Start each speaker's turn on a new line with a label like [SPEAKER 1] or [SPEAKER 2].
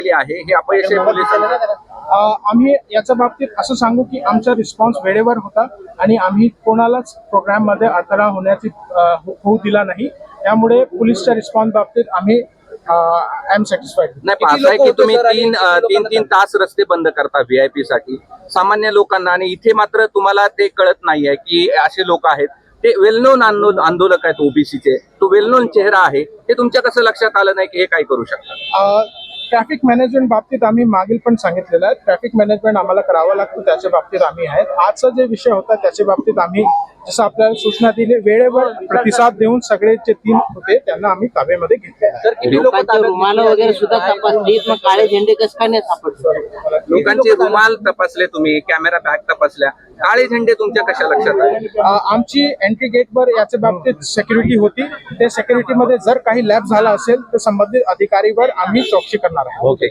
[SPEAKER 1] आहे हे अपयश आहे पोलिसांचं?
[SPEAKER 2] आम्ही याच्या बाबतीत असं सांगू की आमचा रिस्पॉन्स वेळेवर होता आणि आम्ही कोणालाच प्रोग्राम मध्ये अडथळा होण्याची होऊ दिला नाही. त्यामुळे पोलीसच्या रिस्पॉन्स बाबतीत आम्ही आय एम सॅटिस्फाईड.
[SPEAKER 1] नाही, असं आहे की तुम्ही तीन तास रस्ते बंद करता व्हीआयपी साठी सामान्य लोकांना, आणि इथे मात्र तुम्हाला ते कळत नाहीये की असे लोक आहेत, ते वेल नोन आंदोलक आहेत ओबीसीचे, तो वेल नोन चेहरा आहे, ते तुमच्या कसं लक्षात आलं नाही की हे काय करू शकतात?
[SPEAKER 2] ट्रॅफिक मॅनेजमेंट बाबतीत आम्ही मागील पण सांगितलेलं आहे, ट्रॅफिक मॅनेजमेंट आम्हाला करावं लागतं, त्याच्या बाबतीत आम्ही आहेत. आजचा जे विषय होता त्याच्या बाबतीत आम्ही जसं आपल्याला सूचना दिली वेळेवर प्रतिसाद देऊन सगळे जे 3 होते त्यांना आम्ही ताब्यामध्ये घेतले.
[SPEAKER 3] रुमाल वगैरे सुद्धा तपासली, मग काळे झेंडे कसं काय नाही सापडले?
[SPEAKER 1] लोकांचे रुमाल तपासले तुम्ही, कॅमेरा बॅग तपासल्या, काळे झेंडे तुमच्या कशा लक्षात आले?
[SPEAKER 2] आमची एंट्री गेटवर याच्या बाबतीत सिक्युरिटी होती, त्या सिक्युरिटीमध्ये जर काही लॅप झाला असेल तर संबंधित अधिकारीवर आम्ही चौकशी करणार आहोत.
[SPEAKER 1] ओके.